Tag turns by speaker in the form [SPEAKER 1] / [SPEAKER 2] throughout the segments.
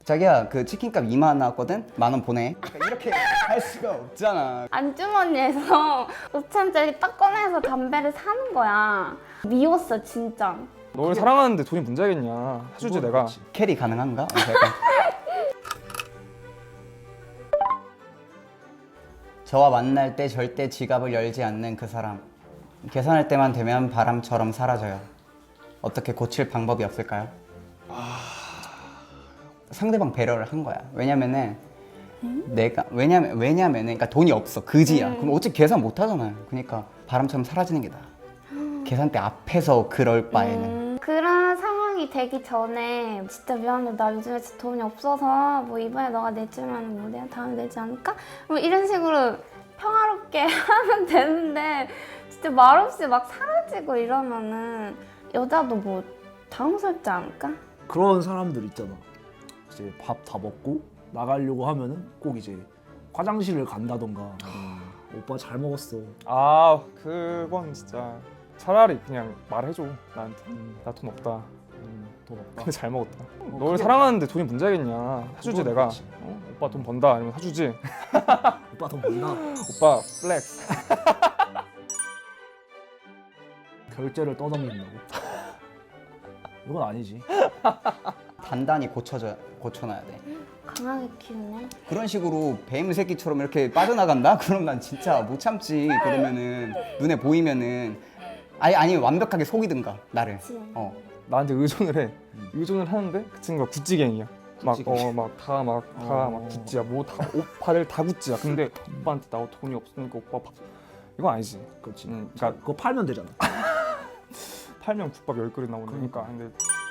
[SPEAKER 1] 자기야 그 치킨값 2만 원 나왔거든? 10,000원 보내. 그러니까 이렇게 할 수가 없잖아.
[SPEAKER 2] 안주머니에서 5천원짜리 딱 꺼내서 담배를 사는 거야. 미웠어 진짜.
[SPEAKER 3] 널 사랑하는데 돈이 문제겠냐. 사주지 내가.
[SPEAKER 4] 그렇지.
[SPEAKER 1] 캐리 가능한가? 약간. 저와 만날 때 절대 지갑을 열지 않는 그 사람. 계산할 때만 되면 바람처럼 사라져요. 어떻게 고칠 방법이 없을까요? 상대방 배려를 한 거야. 왜냐면은 왜냐면은 그러니까 돈이 없어. 그지야. 그럼 어차피 계산 못 하잖아요. 그러니까 바람처럼 사라지는 게 나아. 계산대 앞에서 그럴 바에는.
[SPEAKER 2] 그런 상황이 되기 전에 진짜 미안해 나 요즘에 진짜 돈이 없어서 뭐 이번에 너가 내주면 뭐 내가 다음에 내지 않을까? 뭐 이런 식으로 평화롭게 하면 되는데 진짜 말없이 막 사라지고 이러면은 여자도 뭐 당황스럽지 않을까?
[SPEAKER 4] 그런 사람들 있잖아. 이제 밥 다 먹고 나가려고 하면은 꼭 이제 화장실을 간다던가 오빠 잘 먹었어.
[SPEAKER 3] 아 그건 진짜 차라리 그냥 말해줘 나한테. 나 돈 없다.
[SPEAKER 4] 돈 없다.
[SPEAKER 3] 근데 잘 먹었다. 널
[SPEAKER 4] 그게-
[SPEAKER 3] 사랑하는데 돈이 문제겠냐. 사주지
[SPEAKER 4] 그건
[SPEAKER 3] 내가.
[SPEAKER 4] 그렇지.
[SPEAKER 3] 오빠 돈 번다 아니면 사주지.
[SPEAKER 4] 오빠 돈 번다.
[SPEAKER 3] 오빠 플렉스.
[SPEAKER 4] 결제를 떠넘긴다고? 이건 아니지.
[SPEAKER 1] 단단히 고쳐놔야 돼.
[SPEAKER 2] 강하게 키우네.
[SPEAKER 1] 그런 식으로 뱀 새끼처럼 이렇게 빠져나간다? 그럼 난 진짜 못 참지. 그러면은 눈에 보이면은 아니 완벽하게 속이든가 나를.
[SPEAKER 2] 그치.
[SPEAKER 3] 나한테 의존을 해. 의존을 하는데 그 친구가 구찌갱이야.
[SPEAKER 4] 구찌갱이.
[SPEAKER 3] 막 구찌야. 뭐 다 오빠를 다 구찌야. 근데 오빠한테 나 돈이 없으니까 오빠 밥. 이건 아니지.
[SPEAKER 4] 그렇지.
[SPEAKER 3] 그러니까
[SPEAKER 4] 그거 팔면 되잖아.
[SPEAKER 3] 팔면 국밥 10그릇 나오니까. 근데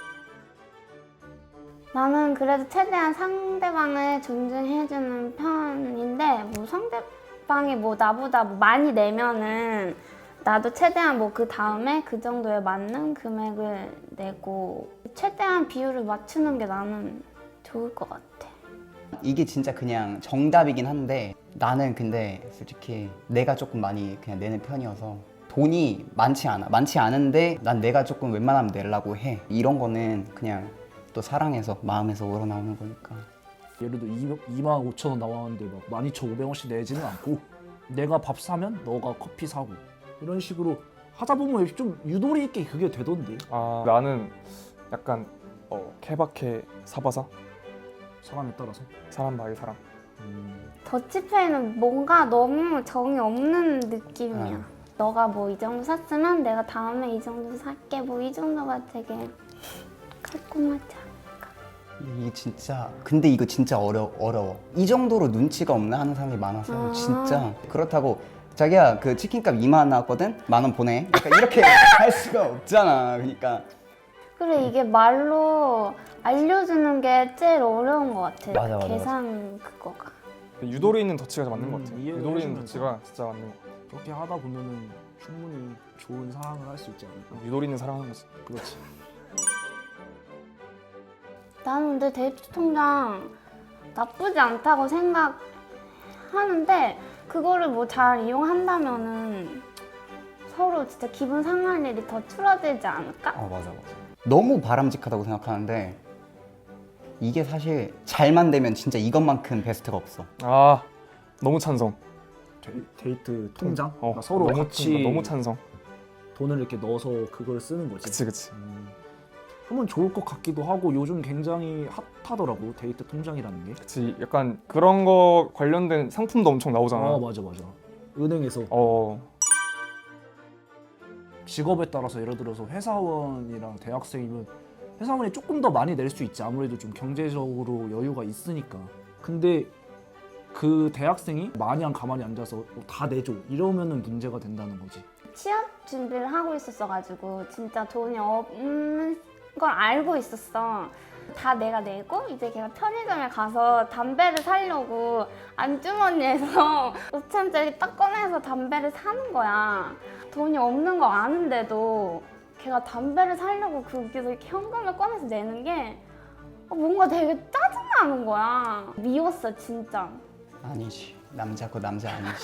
[SPEAKER 2] 나는 그래도 최대한 상대방을 존중해주는 편인데 뭐 상대방이 뭐 나보다 뭐 많이 내면은 나도 최대한 뭐 그 다음에 그 정도에 맞는 금액을 내고 최대한 비율을 맞추는 게 나는 좋을 것 같아.
[SPEAKER 1] 이게 진짜 그냥 정답이긴 한데 나는 근데 솔직히 내가 조금 많이 그냥 내는 편이어서 돈이 많지 않은데 난 내가 조금 웬만하면 내려고 해. 이런 거는 그냥 또 사랑해서 마음에서 우러나오는 거니까.
[SPEAKER 4] 예를 들어 25,000원 나왔는데 막 12,500원씩 내지는 않고 내가 밥 사면 너가 커피 사고 이런 식으로 하다 보면 좀 유도리 있게 그게 되던데.
[SPEAKER 3] 나는 약간 케바케 사바사
[SPEAKER 4] 사람에 따라서.
[SPEAKER 3] 사람 바이 사람.
[SPEAKER 2] 더치페이는 뭔가 너무 정이 없는 느낌이야. 너가 뭐 이 정도 샀으면 내가 다음에 이 정도 살게 뭐 이 정도가 되게 깔끔하지 않을까?
[SPEAKER 1] 이게 진짜 근데 이거 진짜 어려워. 이 정도로 눈치가 없나 하는 사람이 많아서 진짜. 그렇다고 자기야 그 치킨값 2만 원 나왔거든? 10,000원 보내. 그러니까 이렇게 할 수가 없잖아. 그러니까
[SPEAKER 2] 그래 이게 말로 알려주는 게 제일 어려운 것 같아.
[SPEAKER 1] 맞아.
[SPEAKER 2] 계산 그거가.
[SPEAKER 3] 유도리 있는 더치가 맞는 것 같아.
[SPEAKER 4] 이해를
[SPEAKER 3] 유도리 있는
[SPEAKER 4] 해주면서.
[SPEAKER 3] 더치가 진짜 맞는 것 같아.
[SPEAKER 4] 그렇게 하다 보면은 충분히 좋은 사랑을 할 수 있지 않을까.
[SPEAKER 3] 유도리 있는 사랑하는 거지.
[SPEAKER 4] 그렇지.
[SPEAKER 2] 나는 근데 데이트 통장 나쁘지 않다고 생각하는데 그거를 뭐 잘 이용한다면은 서로 진짜 기분 상할 일이 더 줄어들지 않을까?
[SPEAKER 1] 맞아. 너무 바람직하다고 생각하는데 이게 사실 잘만 되면 진짜 이것만큼 베스트가 없어.
[SPEAKER 3] 너무 찬성.
[SPEAKER 4] 데이트 통장? 그러니까 서로
[SPEAKER 3] 너무
[SPEAKER 4] 같이
[SPEAKER 3] 너무 찬성.
[SPEAKER 4] 돈을 이렇게 넣어서 그걸 쓰는 거지.
[SPEAKER 3] 그치.
[SPEAKER 4] 하면 좋을 것 같기도 하고 요즘 굉장히 핫하더라고 데이트 통장이라는 게.
[SPEAKER 3] 그치. 약간 그런 거 관련된 상품도 엄청 나오잖아.
[SPEAKER 4] 맞아. 은행에서 직업에 따라서 예를 들어서 회사원이랑 대학생이면 회사원이 조금 더 많이 낼 수 있지. 아무래도 좀 경제적으로 여유가 있으니까. 근데 그 대학생이 마냥 가만히 앉아서 다 내줘 이러면은 문제가 된다는 거지.
[SPEAKER 2] 취업 준비를 하고 있었어가지고 진짜 돈이 없는 걸 알고 있었어. 다 내가 내고 이제 걔가 편의점에 가서 담배를 사려고 안주머니에서 5천원짜리 딱 꺼내서 담배를 사는 거야. 돈이 없는 거 아는데도 걔가 담배를 사려고 거기서 이렇게 현금을 꺼내서 내는 게 뭔가 되게 짜증나는 거야. 미웠어 진짜.
[SPEAKER 1] 아니지. 남자고 남자 아니지.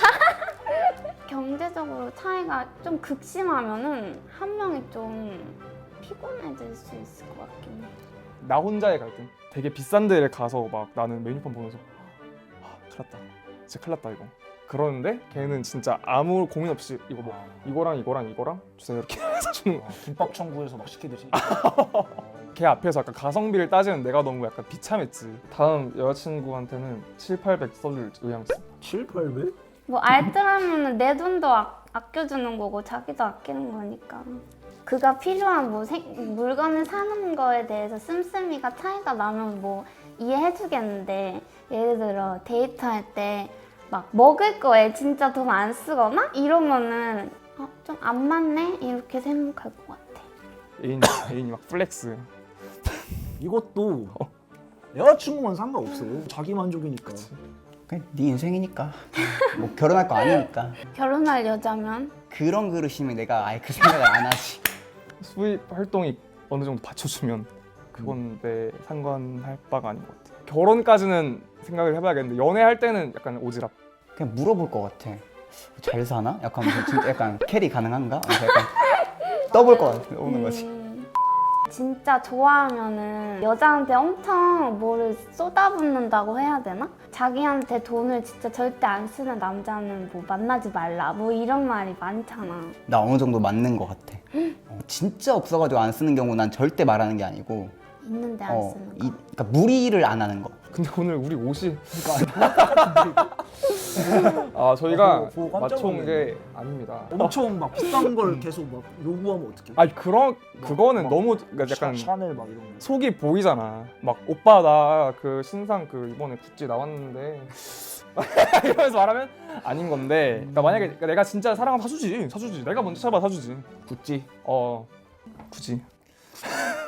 [SPEAKER 2] 경제적으로 차이가 좀 극심하면은 한 명이 좀 피곤해질 수 있을 것 같긴 해.
[SPEAKER 3] 나 혼자의 갈등. 되게 비싼 데를 가서 막 나는 메뉴판 보면서 큰일 났다. 진짜 큰일 났다 이거. 그러는데 걔는 진짜 아무 고민 없이 이거 뭐 이거랑 이거랑 이거랑 주세요 이렇게 해서 주는 거야.
[SPEAKER 4] 김밥 천국에서 막 시키듯이.
[SPEAKER 3] 걔 앞에서 약간 가성비를 따지는 내가 너무 약간 비참했지. 다음 여자친구한테는 7,800 써줄 의향 있어.
[SPEAKER 4] 7,800?
[SPEAKER 2] 뭐 알뜰하면은 내 돈도 아껴주는 거고 자기도 아끼는 거니까. 그가 필요한 뭐 물건을 사는 거에 대해서 씀씀이가 차이가 나면 뭐 이해해주겠는데, 예를 들어 데이트할 때 막 먹을 거에 진짜 돈 안 쓰거나 이러면은 좀 안 맞네 이렇게 생각할 것 같아.
[SPEAKER 3] 애인이 막 플렉스.
[SPEAKER 4] 이것도 여자친구만 상관없어. 자기 만족이니까.
[SPEAKER 1] 그냥 네 인생이니까 뭐 결혼할 거 아니니까
[SPEAKER 2] 결혼할 여자면
[SPEAKER 1] 그런 그릇이면 내가 아예 그 생각을 안 하지.
[SPEAKER 3] 수입 활동이 어느 정도 받쳐주면 그건 내 상관할 바가 아닌 것 같아. 결혼까지는 생각을 해봐야겠는데 연애할 때는 약간 오지랖.
[SPEAKER 1] 그냥 물어볼 것 같아. 잘 사나? 약간 무슨 진짜 약간 캐리 가능한가? 하면서 약간 떠볼 것 같아. 오는 거지.
[SPEAKER 2] 진짜 좋아하면은 여자한테 엄청 뭐를 쏟아붓는다고 해야 되나? 자기한테 돈을 진짜 절대 안 쓰는 남자는 뭐 만나지 말라 뭐 이런 말이 많잖아.
[SPEAKER 1] 나 어느 정도 맞는 것 같아. 진짜 없어가지고 안 쓰는 경우 난 절대 말하는 게 아니고
[SPEAKER 2] 있는데 안 쓰는 거.
[SPEAKER 1] 그러니까 무리를 안 하는 거.
[SPEAKER 3] 근데 오늘 우리 옷이 저희가
[SPEAKER 4] 보고 깜짝
[SPEAKER 3] 맞춰온
[SPEAKER 4] 놀랐네.
[SPEAKER 3] 게 아닙니다.
[SPEAKER 4] 엄청 막 비싼 걸 계속 막 요구하면 어떡해?
[SPEAKER 3] 아니 그거는
[SPEAKER 4] 막
[SPEAKER 3] 너무 그러니까 약간
[SPEAKER 4] 샤넬 막 이런 거.
[SPEAKER 3] 속이 보이잖아. 막 오빠 나 그 신상 그 이번에 구찌 나왔는데 이러면서 말하면 아닌 건데. 그러니까 만약에 내가 진짜 사랑하면 사주지. 내가 먼저 찾아봐 사주지. 구찌. 굳이.